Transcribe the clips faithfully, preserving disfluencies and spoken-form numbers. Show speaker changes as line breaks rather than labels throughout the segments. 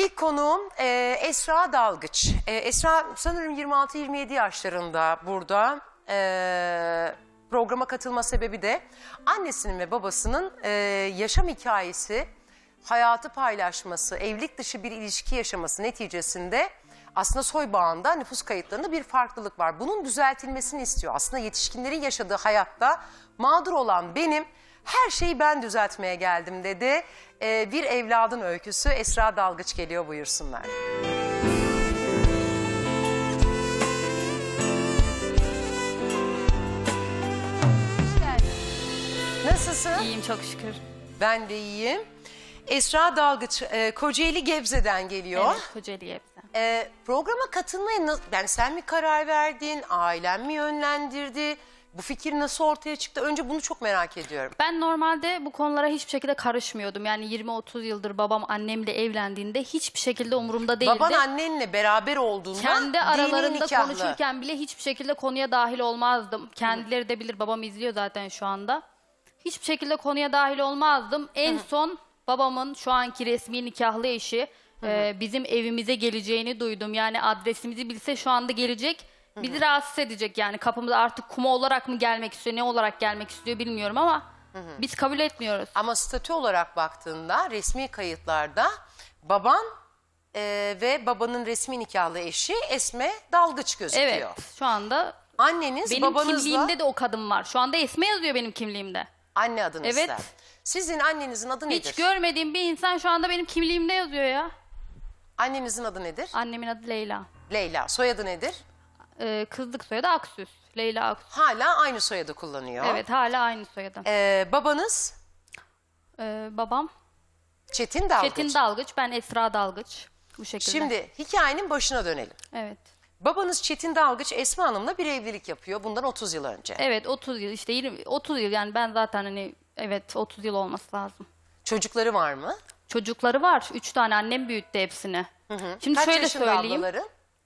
İlk konuğum e, Esra Dalgıç. E, Esra sanırım yirmi altı yirmi yedi yaşlarında burada. E, programa katılma sebebi de annesinin ve babasının e, yaşam hikayesi, hayatı paylaşması, evlilik dışı bir ilişki yaşaması neticesinde aslında soy bağında nüfus kayıtlarında bir farklılık var. Bunun düzeltilmesini istiyor. Aslında yetişkinlerin yaşadığı hayatta mağdur olan benim, her şeyi ben düzeltmeye geldim dedi. Ee, bir evladın öyküsü. Esra Dalgıç geliyor, buyursunlar. Nasılsın?
İyiyim çok şükür.
Ben de iyiyim. Esra Dalgıç e, Kocaeli Gebze'den geliyor.
Evet, Kocaeli Gebze.
E, programa katılmaya nasıl, yani sen mi karar verdin, ailen mi yönlendirdi? Bu fikir nasıl ortaya çıktı? Önce bunu çok merak ediyorum.
Ben normalde bu konulara hiçbir şekilde karışmıyordum. Yani yirmi otuz yıldır babam annemle evlendiğinde hiçbir şekilde umurumda değildi.
Baban annenle beraber olduğunda
Kendi
dini
aralarında
nikahlı.
konuşurken bile hiçbir şekilde konuya dahil olmazdım. Kendileri de bilir, babam izliyor zaten şu anda. Hiçbir şekilde konuya dahil olmazdım. En son babamın şu anki resmi nikahlı eşi e, bizim evimize geleceğini duydum. Yani adresimizi bilse şu anda gelecek. Bizi rahatsız edecek yani, kapımıza artık kuma olarak mı gelmek istiyor, ne olarak gelmek istiyor bilmiyorum ama biz kabul etmiyoruz.
Ama statü olarak baktığında resmi kayıtlarda baban e, ve babanın resmi nikahlı eşi Esme Dalgıç gözüküyor.
Evet, şu anda
Anneniz
benim
babanızla
kimliğimde de o kadın var. Şu anda Esme yazıyor benim kimliğimde.
anne adınızda.
Evet.
Sizin annenizin adı nedir?
Hiç görmediğim bir insan şu anda benim kimliğimde yazıyor ya.
Annenizin adı nedir?
Annemin adı Leyla.
Leyla. Soyadı nedir?
Ee, kızlık soyadı Aksüs. Leyla Aksüs.
Hala aynı soyadı kullanıyor.
Evet, hala aynı soyadı.
Ee, babanız
Ee, babam
Çetin Dalgıç.
Çetin Dalgıç, ben Esra Dalgıç. Bu şekilde.
Şimdi hikayenin başına dönelim.
Evet.
Babanız Çetin Dalgıç Esma Hanım'la bir evlilik yapıyor bundan otuz yıl önce.
Evet, otuz yıl işte yirmi, otuz yıl yani ben zaten hani evet otuz yıl olması lazım.
Çocukları var mı?
Çocukları var. Üç tane, annem büyüttü hepsini. Şimdi
Kaç
şöyle
yaşında
söyleyeyim.
ablaları?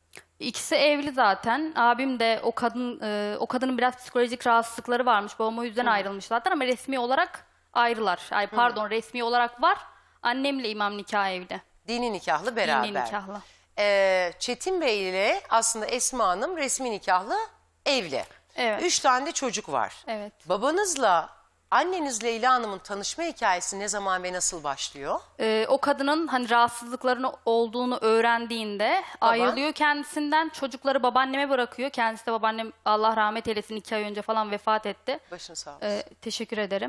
İkisi evli zaten. Abim de o kadın e, o kadının biraz psikolojik rahatsızlıkları varmış. Babam o yüzden ayrılmış zaten ama resmi olarak ayrılar. Ay pardon, resmi olarak var. Annemle imam nikahı evli.
Dini nikahlı beraber.
Dini nikahlı.
Ee, Çetin Bey ile aslında Esma Hanım resmi nikahlı evli.
Evet.
Üç tane de çocuk var.
Evet.
Babanızla anneniz Leyla Hanım'ın tanışma hikayesi ne zaman ve nasıl başlıyor?
Ee, o kadının hani rahatsızlıklarının olduğunu öğrendiğinde ayrılıyor kendisinden. Çocukları babaanneme bırakıyor. Kendisi de babaannem Allah rahmet eylesin iki ay önce falan vefat etti.
Başın sağ olsun.
Ee, teşekkür ederim.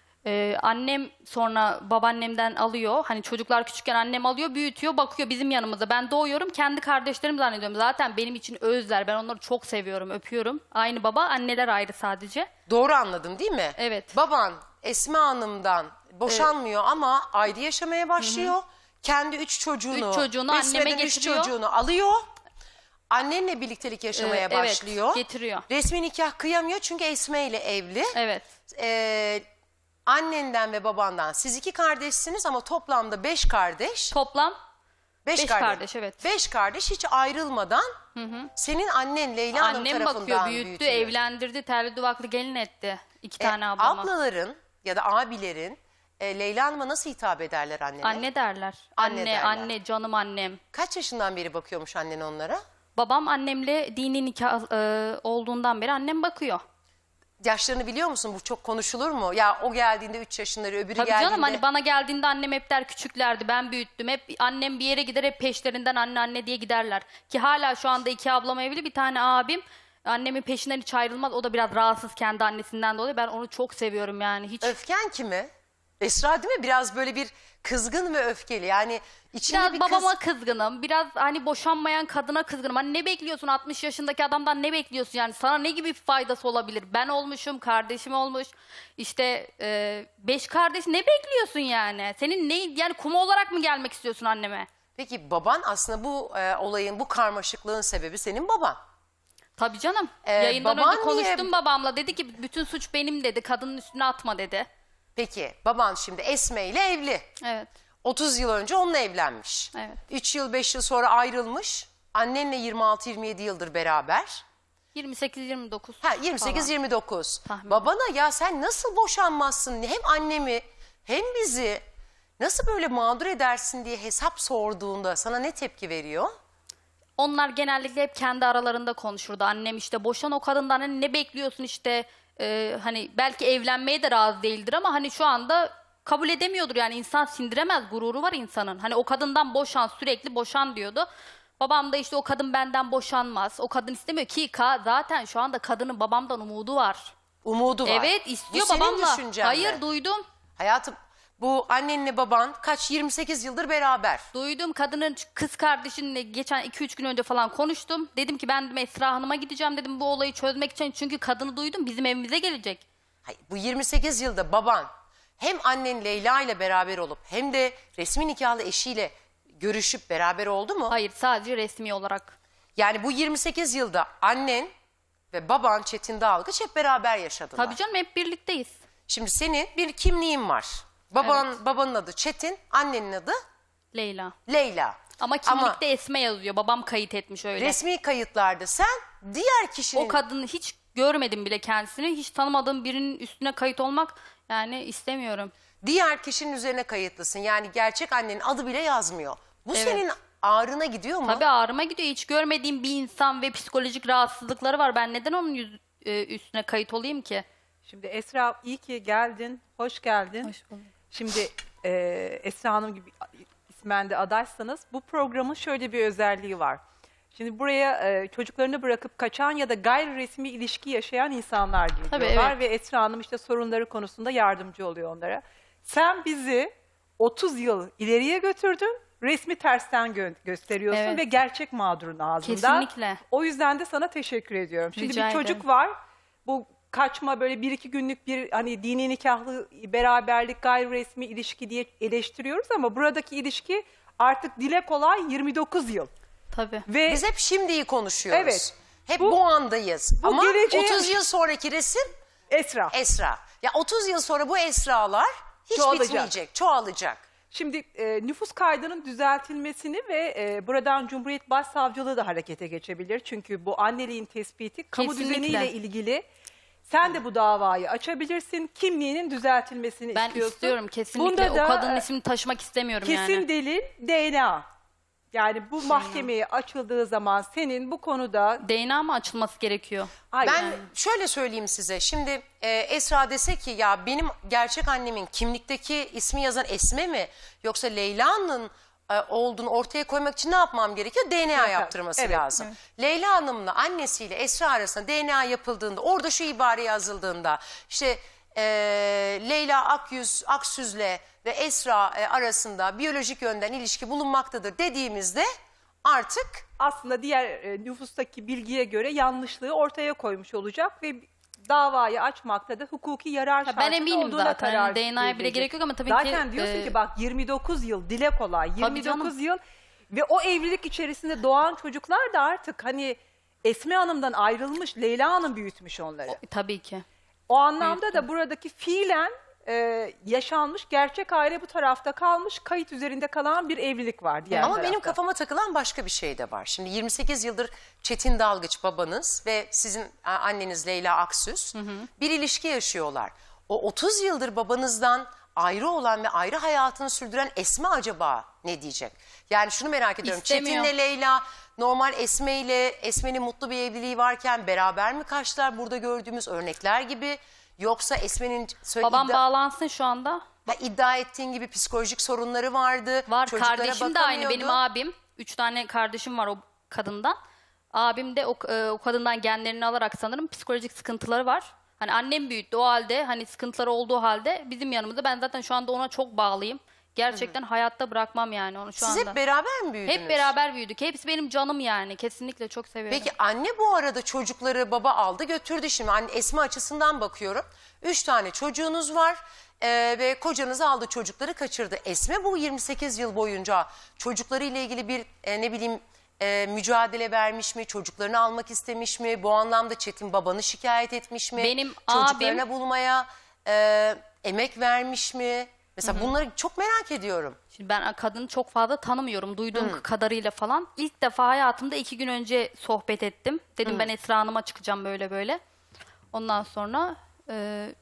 Ee, annem sonra babaannemden alıyor. Hani çocuklar küçükken annem alıyor, büyütüyor, bakıyor bizim yanımızda. Ben doğuyorum, kendi kardeşlerim zannediyorum. Zaten benim için özler. Ben onları çok seviyorum, öpüyorum. Aynı baba, anneler ayrı sadece.
Doğru anladım değil mi?
Evet.
Baban Esma Hanım'dan boşanmıyor ama ayrı yaşamaya başlıyor. Kendi üç çocuğunu,
Üç çocuğunu anneme
Esme'den üç
getiriyor.
çocuğunu alıyor. Annenle birliktelik yaşamaya
Ee, evet,
başlıyor.
getiriyor.
Resmi nikah kıyamıyor çünkü Esme ile evli.
Evet.
Ee, annenden ve babandan siz iki kardeşsiniz ama toplamda beş kardeş.
Toplam
Beş,
beş kardeş, evet.
Beş kardeş hiç ayrılmadan senin annen Leyla Hanım
annem
tarafından
bakıyor, büyüttü,
büyütülüyor.
evlendirdi, terli duvaklı gelin etti. İki
E,
tane ablama.
ablaların ya da abilerin e, Leyla Hanım'a nasıl hitap ederler annene?
Anne derler.
Anne
Anne,
derler.
anne, canım annem.
Kaç yaşından beri bakıyormuş annen onlara?
Babam annemle dini nikah e, olduğundan beri annem bakıyor.
Yaşlarını biliyor musun? Bu çok konuşulur mu? Ya o geldiğinde üç yaşınları, öbürü
Tabii
geldiğinde...
canım, hani bana geldiğinde annem hep der küçüklerdi, ben büyüttüm. Hep annem bir yere gider, hep peşlerinden anne anne diye giderler. Ki hala şu anda iki ablam evli, bir tane abim. Annemin peşinden hiç ayrılmaz. O da biraz rahatsız kendi annesinden dolayı. Ben onu çok seviyorum yani. Hiç
Öfken kime? Esra değil mi? Biraz böyle bir kızgın ve öfkeli. Yani içinde
Biraz
bir
babama
kız...
kızgınım. Biraz hani boşanmayan kadına kızgınım. Hani ne bekliyorsun altmış yaşındaki adamdan, ne bekliyorsun yani? Sana ne gibi bir faydası olabilir? Ben olmuşum, kardeşim olmuş. İşte e, beş kardeş, ne bekliyorsun yani? Senin ne yani, kuma olarak mı gelmek istiyorsun anneme?
Peki baban aslında bu e, olayın, bu karmaşıklığın sebebi senin baban.
Tabii canım.
Ee,
Yayından
baban
önce konuştum
niye-
babamla. Dedi ki bütün suç benim dedi. Kadının üstüne atma dedi.
Peki baban şimdi Esme ile evli.
Evet.
otuz yıl önce onunla evlenmiş.
Evet.
üç yıl beş yıl sonra ayrılmış. Annenle yirmi altı yirmi yedi yıldır beraber.
yirmi sekiz yirmi dokuz.
Ha yirmi sekiz
falan.
yirmi dokuz.
Tahmin.
Babana ya sen nasıl boşanmazsın? Hem annemi hem bizi nasıl böyle mağdur edersin diye hesap sorduğunda sana ne tepki veriyor?
Onlar genellikle hep kendi aralarında konuşurdu. Annem işte boşan o kadından, hani ne bekliyorsun işte, e, hani belki evlenmeye de razı değildir ama hani şu anda kabul edemiyordur, yani insan sindiremez, gururu var insanın. Hani o kadından boşan, sürekli boşan diyordu. Babam da işte o kadın benden boşanmaz, o kadın istemiyor ki ka- zaten şu anda kadının babamdan umudu var.
Umudu var.
Evet istiyor
Bu senin
babamla.
düşüncen
Hayır
mi?
duydum.
Hayatım, bu annenle baban kaç yirmi sekiz yıldır beraber.
Duydum, kadının kız kardeşinle geçen iki üç gün önce falan konuştum. Dedim ki ben dedim Esra Hanım'a gideceğim dedim bu olayı çözmek için. Çünkü kadını duydum, bizim evimize gelecek.
Hayır, bu yirmi sekiz yılda baban hem annen Leyla ile beraber olup hem de resmi nikahlı eşiyle görüşüp beraber oldu mu?
Hayır, sadece resmi olarak.
Yani bu yirmi sekiz yılda annen ve baban Çetin Dalgıç hep beraber yaşadılar.
Tabii canım, hep birlikteyiz.
Şimdi senin bir kimliğin var. Baban, babanın adı Çetin, annenin adı
Leyla.
Leyla.
Ama kimlikte Esme yazıyor. Babam kayıt etmiş öyle.
Resmi kayıtlarda sen diğer kişinin...
O kadını hiç görmedim bile kendisini. Hiç tanımadığım birinin üstüne kayıt olmak yani istemiyorum.
Diğer kişinin üzerine kayıtlısın. Yani gerçek annenin adı bile yazmıyor. Bu
Evet.
senin ağrına gidiyor mu?
Tabii ağrıma gidiyor. Hiç görmediğim bir insan ve psikolojik rahatsızlıkları var. Ben neden onun yüz- e, üstüne kayıt olayım ki?
Şimdi Esra iyi ki geldin, hoş geldin.
Hoş bulduk.
Şimdi e, Esra Hanım gibi ismen de adaysanız bu programın şöyle bir özelliği var. Şimdi buraya e, çocuklarını bırakıp kaçan ya da gayri resmi ilişki yaşayan insanlar
Tabii,
geliyorlar.
evet.
Ve Esra Hanım işte sorunları konusunda yardımcı oluyor onlara. Sen bizi otuz yıl ileriye götürdün, resmi tersten gö- gösteriyorsun
Evet.
ve gerçek mağdurun ağzında.
Kesinlikle.
O yüzden de sana teşekkür ediyorum. Şimdi
Rica
bir çocuk
ederim.
var. Bu kaçma böyle bir iki günlük bir hani dini nikahlı beraberlik gayri resmi ilişki diye eleştiriyoruz ama buradaki ilişki artık dile kolay yirmi dokuz yıl.
Tabii.
Ve
Biz hep şimdiyi konuşuyoruz.
Evet.
Hep bu,
Bu-
andayız.
bu
Ama
geleceğe-
otuz yıl sonraki resim
Esra.
Esra. Ya otuz yıl sonra bu Esralar hiç
Çoğalacak.
bitmeyecek, çoğalacak.
Şimdi e, nüfus kaydının düzeltilmesini ve e, buradan Cumhuriyet Başsavcılığı da harekete geçebilir. Çünkü bu anneliğin tespiti kamu
Kesinlikle.
düzeniyle ilgili. Sen de bu davayı açabilirsin. Kimliğinin düzeltilmesini
Ben
istiyorsun.
istiyorum kesinlikle.
Bunda da,
o kadının
e,
ismini taşımak istemiyorum
Kesin
yani.
delil D N A. Yani bu mahkemeye açıldığı zaman senin bu konuda...
D N A mı açılması gerekiyor?
Hayır.
Ben şöyle söyleyeyim size. Şimdi e, Esra dese ki ya benim gerçek annemin kimlikteki ismi yazan Esme mi yoksa Leyla'nın e, olduğunu ortaya koymak için ne yapmam gerekiyor? D N A
Evet,
yaptırması
evet,
lazım. Leyla Hanım'la annesiyle Esra arasında D N A yapıldığında orada şu ibare yazıldığında işte e, Leyla Akyüz, Aksüz'le ve Esra e, arasında biyolojik yönden ilişki bulunmaktadır dediğimizde artık
Aslında diğer e, nüfustaki bilgiye göre yanlışlığı ortaya koymuş olacak ve davayı açmakta da hukuki yarar
ben
şartının
eminim
olduğuna
zaten.
karar
D N A'ya bile
verilecek.
gerek yok ama tabii
zaten
ki,
diyorsun
e,
ki bak yirmi dokuz yıl dile kolay yirmi dokuz
canım.
yıl ve o evlilik içerisinde doğan çocuklar da artık hani Esme Hanım'dan ayrılmış, Leyla Hanım büyütmüş onları.
E, Tabii ki.
O anlamda da buradaki fiilen e, yaşanmış, gerçek aile bu tarafta kalmış, kayıt üzerinde kalan bir evlilik var diğer
ama
tarafta.
benim kafama takılan başka bir şey de var. Şimdi yirmi sekiz yıldır Çetin Dalgıç babanız ve sizin a, anneniz Leyla Aksüz bir ilişki yaşıyorlar. O otuz yıldır babanızdan ayrı olan ve ayrı hayatını sürdüren Esme acaba ne diyecek? Yani şunu merak ediyorum.
İstemiyor.
Çetin'le Leyla normal Esme ile Esme'nin mutlu bir evliliği varken beraber mi kaçtılar burada gördüğümüz örnekler gibi? Yoksa Esme'nin söyle-
Babam
iddia-
bağlansın şu anda.
Ha, iddia ettiğin gibi psikolojik sorunları vardı.
Var,
çocuklara
kardeşim de aynı. Benim
bakamıyordu.
abim. Üç tane kardeşim var o kadından. Abim de o, e, o kadından genlerini alarak sanırım psikolojik sıkıntıları var. Hani annem büyüttü o halde, hani sıkıntıları olduğu halde bizim yanımızda. Ben zaten şu anda ona çok bağlıyım. Gerçekten hayatta bırakmam yani onu şu
Siz
anda.
hep beraber mi büyüdünüz?
Hep beraber büyüdük. Hepsi benim canım yani. Kesinlikle çok seviyorum.
Peki anne bu arada çocukları baba aldı götürdü. Şimdi anne Esma açısından bakıyorum. Üç tane çocuğunuz var ee, ve kocanız aldı çocukları kaçırdı. Esme bu yirmi sekiz yıl boyunca çocuklarıyla ilgili bir e, ne bileyim e, mücadele vermiş mi? Çocuklarını almak istemiş mi? Bu anlamda Çetin babanı şikayet etmiş mi?
Benim
Çocuklarına
abim-
bulmaya e, emek vermiş mi? Mesela bunları çok merak ediyorum.
Şimdi ben kadını çok fazla tanımıyorum. Duyduğum kadarıyla falan. İlk defa hayatımda iki gün önce sohbet ettim. Dedim ben Esra Hanım'a çıkacağım böyle böyle. Ondan sonra e,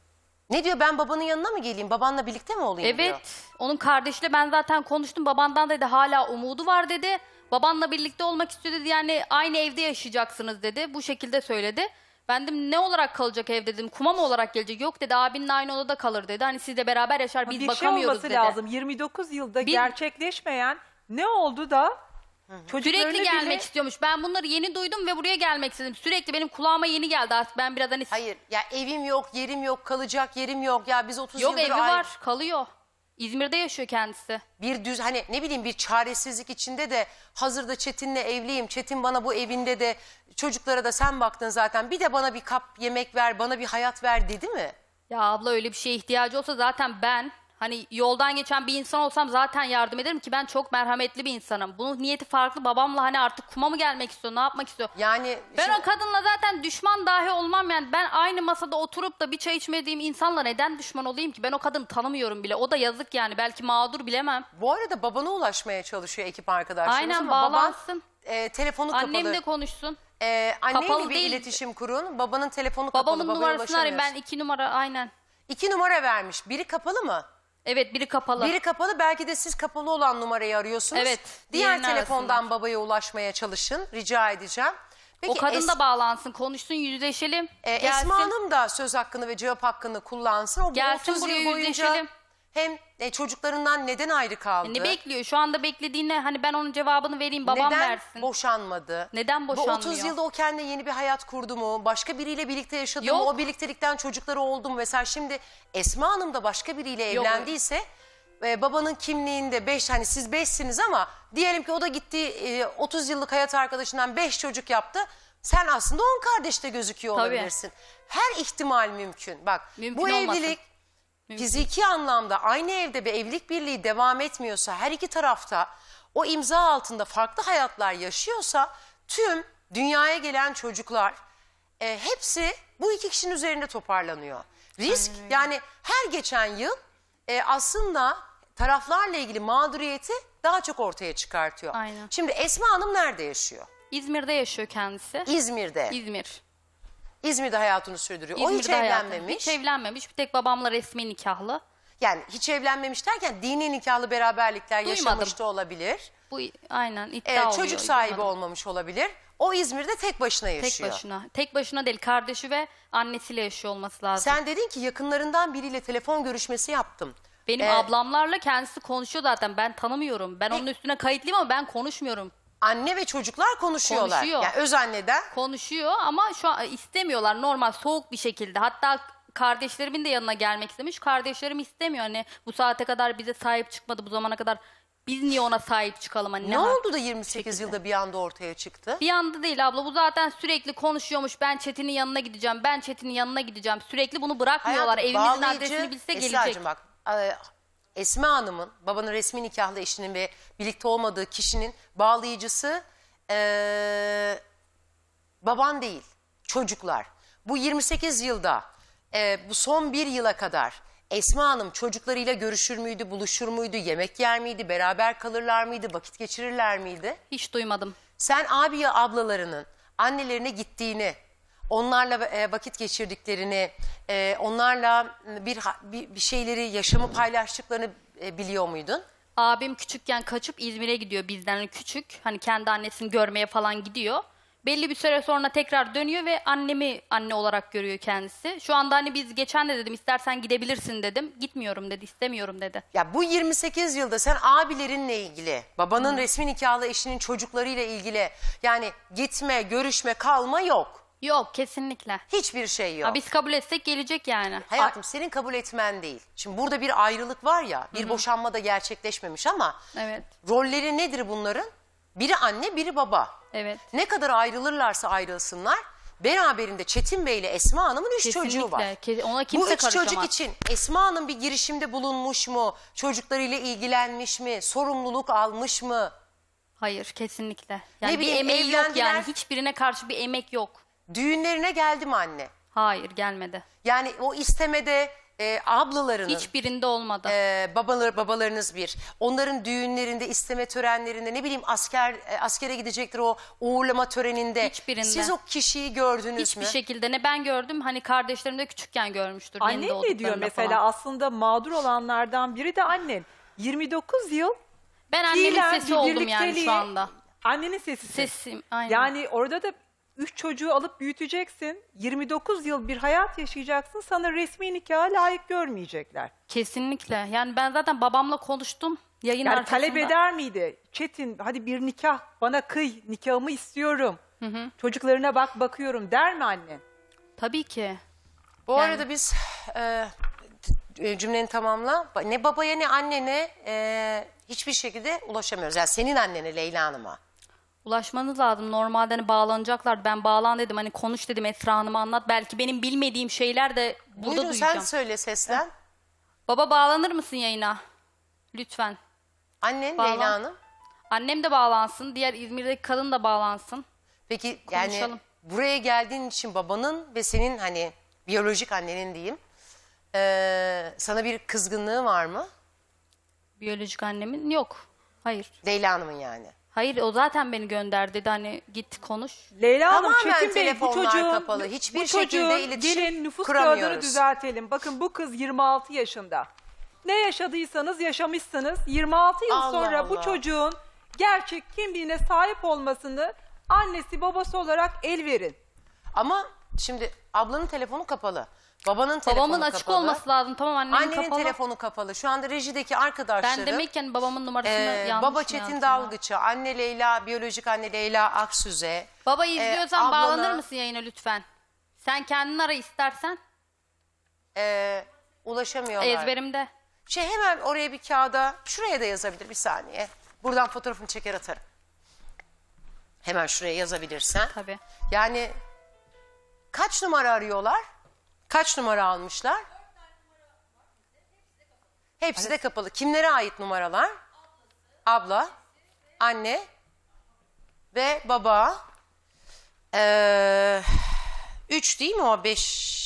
Ne diyor, ben babanın yanına mı geleyim? Babanla birlikte mi olayım diyor.
Evet. Onun kardeşiyle ben zaten konuştum. Babandan dedi hala umudu var dedi. Babanla birlikte olmak istiyor dedi. Yani aynı evde yaşayacaksınız dedi. Bu şekilde söyledi. Ben dedim ne olarak kalacak ev dedim. Kuma mı olarak gelecek? Yok dedi, abinle aynı odada kalır dedi. Hani siz de beraber yaşar, biz
bir şey
bakamıyoruz
olması
dedi.
lazım. yirmi dokuz yılda
Bir-
gerçekleşmeyen ne oldu da çocuklarını
Sürekli gelmek
bile...
istiyormuş. Ben bunları yeni duydum ve buraya gelmek istedim. Sürekli benim kulağıma yeni geldi artık. Ben biraz hani
Hayır ya, evim yok, yerim yok, kalacak yerim yok. Ya biz otuz
yok
yıldır
evi
ayrı-
var, kalıyor. İzmir'de yaşıyor kendisi.
bir düz, hani ne bileyim, bir çaresizlik içinde de hazırda Çetin'le evliyim. Çetin bana bu evinde de, çocuklara da sen baktın zaten. Bir de bana bir kap yemek ver, bana bir hayat ver dedi mi?
Ya abla öyle bir şeye ihtiyacı olsa zaten ben hani yoldan geçen bir insan olsam zaten yardım ederim ki ben çok merhametli bir insanım. Bunun niyeti farklı. Babamla hani artık kuma mı gelmek istiyor, ne yapmak istiyor?
Yani
Ben
şimdi-
o kadınla zaten düşman dahi olmam yani. Ben aynı masada oturup da bir çay içmediğim insanla neden düşman olayım ki? Ben o kadını tanımıyorum bile. O da yazık yani. Belki mağdur, bilemem.
bu arada babana ulaşmaya çalışıyor ekip arkadaşlarımız
Aynen,
ama baban
bağlansın.
e, telefonu kapalı.
Annemle konuşsun.
E, annenle
Kapalı
bir
değil.
iletişim kurun. Babanın telefonu kapalı.
Babamın
babaya
numarasını arayayım. Ben
ulaşamıyorsun.
iki numara aynen.
İki numara vermiş. Biri kapalı mı?
Evet, biri kapalı.
Biri kapalı, belki de siz kapalı olan numarayı arıyorsunuz.
Evet,
Diğer
diğerini
telefondan
arasınlar.
babaya ulaşmaya çalışın. Rica edeceğim. Peki,
O kadın
Es-
da bağlansın, konuşsun, yüzleşelim.
e,
gelsin.
Esma Hanım da söz hakkını ve cevap hakkını kullansın. O bu
Gelsin,
otuz
buraya
yıl boyunca
yüzleşelim.
hem e, çocuklarından neden ayrı kaldı?
Ne bekliyor? Şu anda beklediğine hani ben onun cevabını vereyim, babam
neden
versin.
boşanmadı?
Neden
Bu
boşanmıyor?
otuz yılda o kendine yeni bir hayat kurdu mu? Başka biriyle birlikte yaşadı
Yok.
mı? O birliktelikten çocukları oldu mu? Mesela şimdi Esma Hanım da başka biriyle
Yok.
evlendiyse e, babanın kimliğinde beş, hani siz beşsiniz ama diyelim ki o da gitti e, otuz yıllık hayat arkadaşından beş çocuk yaptı. Sen aslında on kardeşte gözüküyor
Tabii.
olabilirsin. Her ihtimal mümkün. Bak
Mümkün
bu
olmasın.
evlilik fiziki anlamda aynı evde bir evlilik birliği devam etmiyorsa, her iki tarafta o imza altında farklı hayatlar yaşıyorsa, tüm dünyaya gelen çocuklar e, hepsi bu iki kişinin üzerinde toparlanıyor. Risk, yani her geçen yıl e, aslında taraflarla ilgili mağduriyeti daha çok ortaya çıkartıyor.
Aynen.
Şimdi Esma Hanım nerede yaşıyor?
İzmir'de yaşıyor kendisi.
İzmir'de.
İzmir.
İzmir'de hayatını sürdürüyor. o hiç
İzmir'de hayatı.
evlenmemiş.
Hiç evlenmemiş. Bir tek babamla resmi nikahlı.
Yani hiç evlenmemiş derken dini nikahlı beraberlikler
Duymadım.
yaşamış da olabilir.
Bu aynen iddia
Evet,
oluyor.
çocuk sahibi
duymadım.
olmamış olabilir. O İzmir'de tek başına
Tek
yaşıyor.
başına. Tek başına değil, kardeşi ve annesiyle yaşıyor olması lazım.
Sen dedin ki yakınlarından biriyle telefon görüşmesi yaptım.
Benim
Ee,
ablamlarla kendisi konuşuyor zaten. Ben tanımıyorum. Ben onun üstüne kayıtlıyım ama ben konuşmuyorum.
Anne ve çocuklar konuşuyorlar.
Konuşuyor.
Yani öz anneden.
Konuşuyor ama şu an istemiyorlar, normal soğuk bir şekilde. Hatta kardeşlerimin de yanına gelmek istemiş. Kardeşlerim istemiyor, hani bu saate kadar bize sahip çıkmadı, bu zamana kadar biz niye ona sahip çıkalım hani.
Ne
ha-
oldu da yirmi sekiz yılda bir anda ortaya çıktı?
Bir anda değil abla, bu zaten sürekli konuşuyormuş. Ben Çetin'in yanına gideceğim, ben Çetin'in yanına gideceğim. Sürekli bunu bırakmıyorlar.
Hayatım,
Evimizin
bağlayıcı-
adresini bilse
Esra'cığım
gelecek.
bak, e, Esma Hanım'ın, babanın resmi nikahlı eşinin ve birlikte olmadığı kişinin bağlayıcısı e, baban değil, çocuklar. Bu yirmi sekiz yılda, e, bu son bir yıla kadar Esma Hanım çocuklarıyla görüşür müydü, buluşur muydu, yemek yer miydi, beraber kalırlar mıydı, vakit geçirirler miydi?
Hiç duymadım.
Sen abi ya ablalarının annelerine gittiğini, onlarla e, vakit geçirdiklerini, e, onlarla bir, ha- bir bir şeyleri, yaşamı paylaştıklarını e, biliyor muydun?
Abim küçükken kaçıp İzmir'e gidiyor bizden, hani küçük. Hani kendi annesini görmeye falan gidiyor. Belli bir süre sonra tekrar dönüyor ve annemi anne olarak görüyor kendisi. Şu anda hani biz geçen de dedim istersen gidebilirsin dedim. Gitmiyorum dedi, istemiyorum dedi.
Ya bu yirmi sekiz yılda sen abilerinle ilgili, babanın resmi nikahlı eşinin çocuklarıyla ilgili, yani gitme, görüşme, kalma yok.
Yok, kesinlikle.
Hiçbir şey yok.
Ha, biz kabul etsek gelecek yani.
Hayatım, senin kabul etmen değil. Şimdi burada bir ayrılık var ya, bir boşanma da gerçekleşmemiş ama
Evet,
rolleri nedir bunların? Biri anne, biri baba.
evet.
Ne kadar ayrılırlarsa ayrılsınlar, beraberinde Çetin Bey ile Esma Hanım'ın üç çocuğu var.
Kesinlikle. Ke- Ona kimse
Bu üç
karışamaz.
çocuk için Esma Hanım bir girişimde bulunmuş mu? Çocuklarıyla ilgilenmiş mi? Sorumluluk almış mı?
Hayır, kesinlikle. Yani
Ne
bir
bileyim,
emeği yok
evlendiler.
yani. Hiçbirine karşı bir emek yok.
Düğünlerine geldi mi anne?
Hayır, gelmedi.
Yani o istemede e, ablalarının,
Hiçbirinde olmadı.
e, babalar, babalarınız bir. Onların düğünlerinde, isteme törenlerinde, ne bileyim asker e, askere gidecektir o uğurlama töreninde.
Hiçbirinde.
Siz o kişiyi gördünüz
Hiçbir
mü?
şekilde ne ben gördüm, hani kardeşlerim de küçükken görmüştür. yeni
Annen ne diyor
doğduklarında
mesela?
falan.
Aslında mağdur olanlardan biri de annen. yirmi dokuz yıl
Ben annemin
fiilen
sesi
bir
oldum yani
birlikteliği-
şu anda.
Annenin sesisin.
Sesim, aynen.
Yani orada da üç çocuğu alıp büyüteceksin. yirmi dokuz yıl bir hayat yaşayacaksın. Sana resmi nikaha layık görmeyecekler.
Kesinlikle. Yani ben zaten babamla konuştum. Yayın
Yani
arkasında.
talep eder miydi? Çetin hadi bir nikah bana kıy, nikahımı istiyorum. Çocuklarına bak bakıyorum der mi annen?
Tabii ki.
Bu
Yani-
arada biz e, e, cümleni tamamla. Ba- Ne babaya ne annene e, hiçbir şekilde ulaşamıyoruz. Yani senin annene Leyla Hanım'a.
Ulaşmanız lazım. Normalde hani bağlanacaklar. Ben bağlan dedim. Hani konuş dedim, Esra Hanım'a anlat. Belki benim bilmediğim şeyler de burada
Buyurun
duyacağım.
sen söyle seslen.
Baba bağlanır mısın yayına? Lütfen.
Annen
Bağlan.
Leyla Hanım.
Annem de bağlansın. Diğer İzmir'deki kadın da bağlansın.
Peki yani
Konuşalım.
buraya geldiğin için babanın ve senin hani biyolojik annenin diyeyim e, sana bir kızgınlığı var mı?
Biyolojik annemin yok. Hayır.
Leyla Hanım'ın yani.
Hayır, o zaten beni gönderdi dedi, hani git konuş.
Leyla Hanım,
Tamamen
Çetin Bey bu
telefonlar
çocuğun,
kapalı. Hiçbir
bu
şekilde
çocuğun
iletişim
gelin nüfus
kuramıyoruz.
kağıdını düzeltelim. Bakın bu kız yirmi altı yaşında. Ne yaşadıysanız yaşamışsınız. yirmi altı yıl
Allah
sonra bu
Allah.
çocuğun gerçek kimliğine sahip olmasını annesi babası olarak el verin.
Ama şimdi ablanın telefonu kapalı. Babanın telefonu
Babamın açık
kapalı.
olması lazım. Tamam, annemin
Annenin
kapalı.
telefonu kapalı. Şu anda rejideki arkadaşları.
Ben demekken babamın numarasını
e,
yanlış
Baba
mı
Çetin
yazdım ya?
Dalgıç'a, anne Leyla, biyolojik anne Leyla Aksüze.
Baba
e,
izliyorsan
ablana,
bağlanır mısın yayına lütfen? Sen kendin ara istersen.
E, ulaşamıyorlar.
Ezberimde.
Şey hemen oraya bir kağıda, şuraya da yazabilir bir saniye. Buradan fotoğrafını çeker atarım. Hemen şuraya yazabilirsen.
Tabii.
Yani kaç numara arıyorlar? Kaç numara almışlar? Hepsi de kapalı. Kimlere ait numaralar? Abla, anne ve baba. Ee, üç değil mi o? Beş.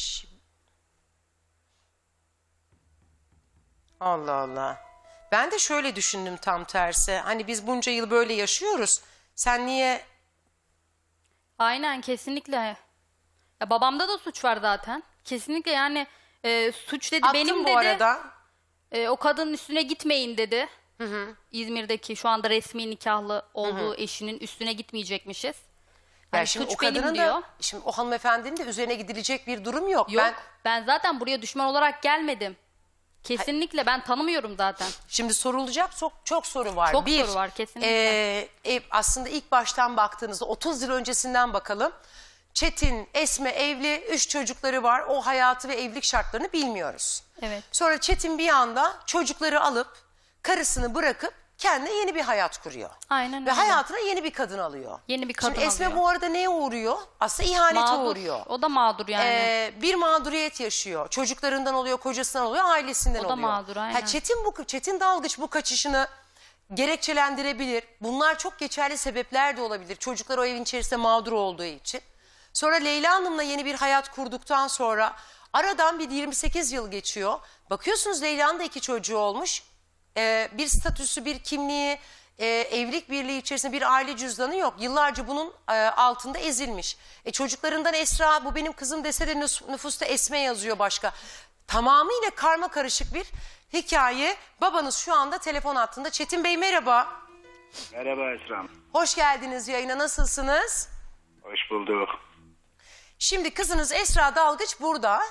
Allah Allah. Ben de şöyle düşündüm tam tersi. Hani biz bunca yıl böyle yaşıyoruz. Sen niye...
Aynen, kesinlikle. Ya babamda da suç var zaten. Kesinlikle yani e, suç dedi
Attım
benim
bu
dedi.
arada.
E, o kadının üstüne gitmeyin dedi. İzmir'deki şu anda resmi nikahlı olduğu eşinin üstüne gitmeyecekmişiz.
Yani
Hani
şimdi
suç
o
benim
kadının
diyor.
da, şimdi o hanımefendinin de üzerine gidilecek bir durum yok.
Yok,
Ben
ben zaten buraya düşman olarak gelmedim. Kesinlikle ben tanımıyorum zaten.
şimdi sorulacak çok çok soru var.
Çok
bir,
soru var, kesinlikle.
e, e, aslında ilk baştan baktığınızda otuz yıl öncesinden bakalım. Çetin, Esme evli, üç çocukları var. O hayatı ve evlilik şartlarını bilmiyoruz.
Evet.
Sonra Çetin bir anda çocukları alıp karısını bırakıp kendine yeni bir hayat kuruyor.
Aynen
Ve
öyle.
hayatına yeni bir kadın alıyor.
Yeni bir kadın
Şimdi Esme
alıyor.
bu arada neye uğruyor? Aslında ihanete
Mağdur.
uğruyor.
O da mağdur yani.
Ee, bir mağduriyet yaşıyor. Çocuklarından oluyor, kocasından oluyor, ailesinden
O da
oluyor.
mağdur, aynen.
Ha, Çetin bu Çetin Dalgıç bu kaçışını gerekçelendirebilir. Bunlar çok geçerli sebepler de olabilir. Çocuklar o evin içerisinde mağdur olduğu için. Sonra Leyla Hanım'la yeni bir hayat kurduktan sonra aradan bir yirmi sekiz yıl geçiyor. Bakıyorsunuz Leyla'nın da iki çocuğu olmuş. Ee, bir statüsü, bir kimliği, e, evlilik birliği içerisinde bir aile cüzdanı yok. Yıllarca bunun e, altında ezilmiş. E, çocuklarından Esra, bu benim kızım dese de nüs- nüfusta Esme yazıyor başka. Tamamıyla karma karışık bir hikaye. Babanız şu anda telefon hattında. Çetin Bey merhaba.
Merhaba Esra Hanım.
Hoş geldiniz yayına, nasılsınız?
Hoş bulduk.
Şimdi kızınız Esra Dalgıç burada.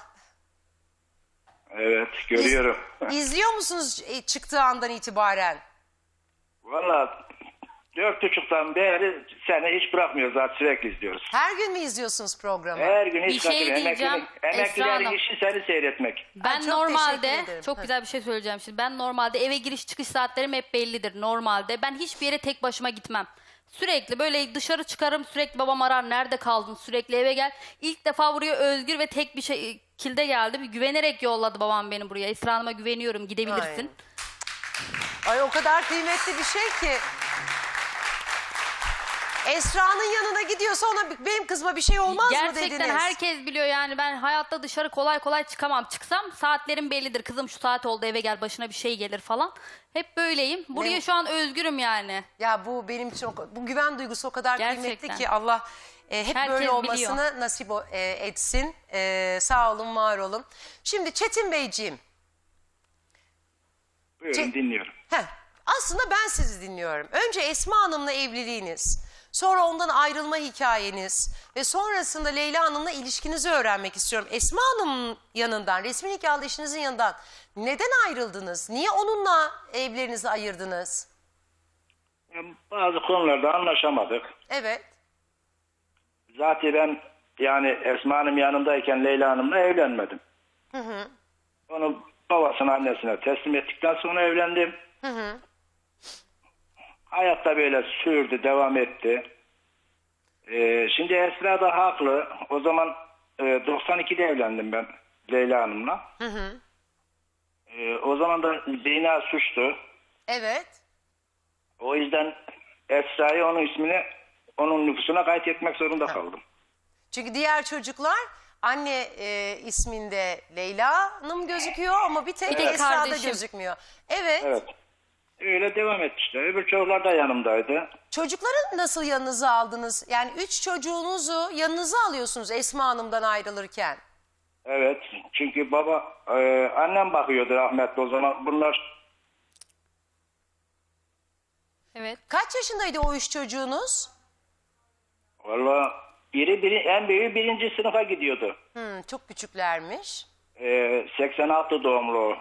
Evet, görüyorum.
İzliyor musunuz e, çıktığı andan itibaren?
Valla dört buçuktan beri seni hiç bırakmıyoruz, zaten sürekli izliyoruz.
Her gün mü izliyorsunuz programı?
Her gün hiç
Bir şey
kaçırmıyor.
diyeceğim,
Emekliler,
Esra
emeklilerin
Hanım.
işi seni seyretmek.
Ben
Ay, çok
normalde
teşekkür ederim.
çok
Ha.
güzel bir şey söyleyeceğim şimdi. Ben normalde eve giriş çıkış saatlerim hep bellidir normalde. Ben hiçbir yere tek başıma gitmem. Sürekli böyle dışarı çıkarım, sürekli babam arar, nerede kaldın, sürekli eve gel. İlk defa buraya özgür ve tek bir şekilde geldim. Güvenerek yolladı babam beni buraya. Esra Hanım'a güveniyorum, gidebilirsin.
Ay o kadar kıymetli bir şey ki. Esra'nın yanına gidiyorsa ona benim kızıma bir şey olmaz mı dediniz?
Gerçekten herkes biliyor yani ben hayatta dışarı kolay kolay çıkamam. Çıksam saatlerim bellidir. Kızım şu saat oldu eve gel başına bir şey gelir falan. Hep böyleyim. Buraya
Ne?
şu an özgürüm yani.
Ya bu benim için o- bu güven duygusu o kadar kıymetli
Gerçekten.
ki Allah e, hep
Herkes
böyle olmasını
biliyor.
nasip o- e, etsin. E, sağ olun, var olun. Şimdi Çetin Beyciğim.
Buyurun
Ce-
dinliyorum.
Heh, aslında ben sizi dinliyorum. Önce Esma Hanım'la evliliğiniz, sonra ondan ayrılma hikayeniz ve sonrasında Leyla Hanım'la ilişkinizi öğrenmek istiyorum. Esma Hanım'ın yanından, resmi nikahlı eşinizin yanından neden ayrıldınız? Niye onunla evlerinizi ayırdınız?
Yani bazı konularda anlaşamadık.
Evet.
Zaten ben yani Esma Hanım yanındayken Leyla Hanım'la evlenmedim.
Hı hı.
Onu babasına annesine teslim ettikten sonra evlendim.
Hı hı.
Hayatta böyle sürdü, devam etti. Ee, şimdi Esra da haklı. O zaman e, doksan ikide evlendim ben Leyla Hanım'la.
Hı hı.
Ee, o zaman da zina suçtu.
Evet.
O yüzden Esra'yı onun ismini onun nüfusuna kayıt etmek zorunda kaldım.
Çünkü diğer çocuklar anne e, isminde Leyla Hanım gözüküyor ama bir tek
Bir tek
Esra'da
kardeşim.
gözükmüyor. Evet.
Evet. Öyle devam etti işte. Öbür çocuklar da yanımdaydı.
Çocukları nasıl yanınıza aldınız? Yani üç çocuğunuzu yanınıza alıyorsunuz Esma Hanım'dan ayrılırken.
Evet. Çünkü baba, e, annem bakıyordu rahmetli o zaman. Bunlar
Evet.
Kaç yaşındaydı o üç çocuğunuz?
valla biri, biri en büyüğü birinci sınıfa gidiyordu.
Hmm, çok küçüklermiş.
E, seksen altı doğumlu o.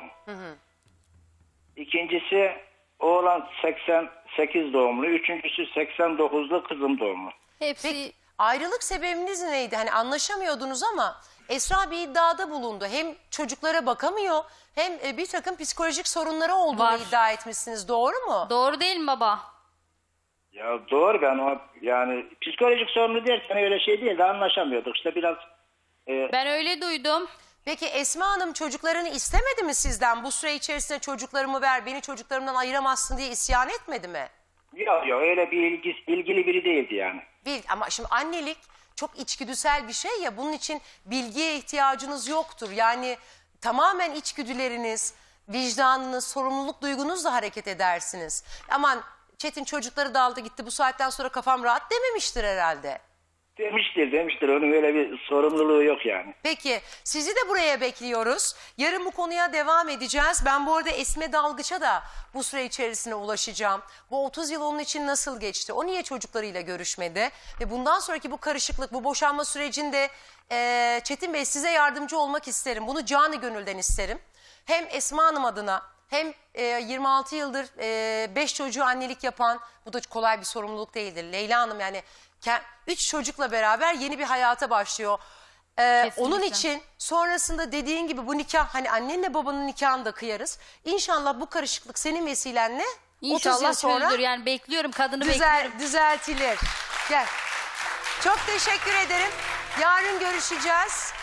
İkincisi oğlan seksen sekiz doğumlu. Üçüncüsü seksen dokuzlu kızım doğumlu.
Hepsi
Peki ayrılık sebebiniz neydi? Hani anlaşamıyordunuz ama Esra bir iddiada bulundu. Hem çocuklara bakamıyor hem e, bir takım psikolojik sorunları olduğunu
Var.
iddia etmişsiniz. Doğru mu?
doğru değil mi baba?
Ya doğru, ben o yani psikolojik sorunu derken öyle şey değil de anlaşamıyorduk. İşte biraz e,
Ben öyle duydum.
Peki Esma Hanım çocuklarını istemedi mi sizden? Bu süre içerisinde çocuklarımı ver, beni çocuklarımdan ayıramazsın diye isyan etmedi mi?
yok yok öyle bir ilgi, ilgili biri değildi yani.
Bil, ama şimdi annelik çok içgüdüsel bir şey ya, bunun için bilgiye ihtiyacınız yoktur. Yani tamamen içgüdüleriniz, vicdanınız, sorumluluk duygunuzla hareket edersiniz. Aman Çetin çocukları da aldı gitti, bu saatten sonra kafam rahat dememiştir herhalde.
Demiştir demiştir onun öyle bir sorumluluğu yok yani.
Peki sizi de buraya bekliyoruz. Yarın bu konuya devam edeceğiz. Ben bu arada Esme Dalgıç'a da bu süre içerisine ulaşacağım. Bu otuz yıl onun için nasıl geçti? O niye çocuklarıyla görüşmedi? Ve bundan sonraki bu karışıklık, bu boşanma sürecinde e, Çetin Bey size yardımcı olmak isterim. Bunu canı gönülden isterim. Hem Esma Hanım adına hem e, yirmi altı yıldır beş çocuğu annelik yapan, bu da kolay bir sorumluluk değildir. Leyla Hanım yani üç çocukla beraber yeni bir hayata başlıyor. Ee,
Kesinlikle.
onun için sonrasında dediğin gibi bu nikah, hani annenle babanın nikahını da kıyarız. İnşallah bu karışıklık senin vesilenle otuz
İnşallah
yıl sonra
çözülür. Yani bekliyorum kadını
düzel,
bekliyorum.
düzeltilir. Gel. Çok teşekkür ederim. Yarın görüşeceğiz.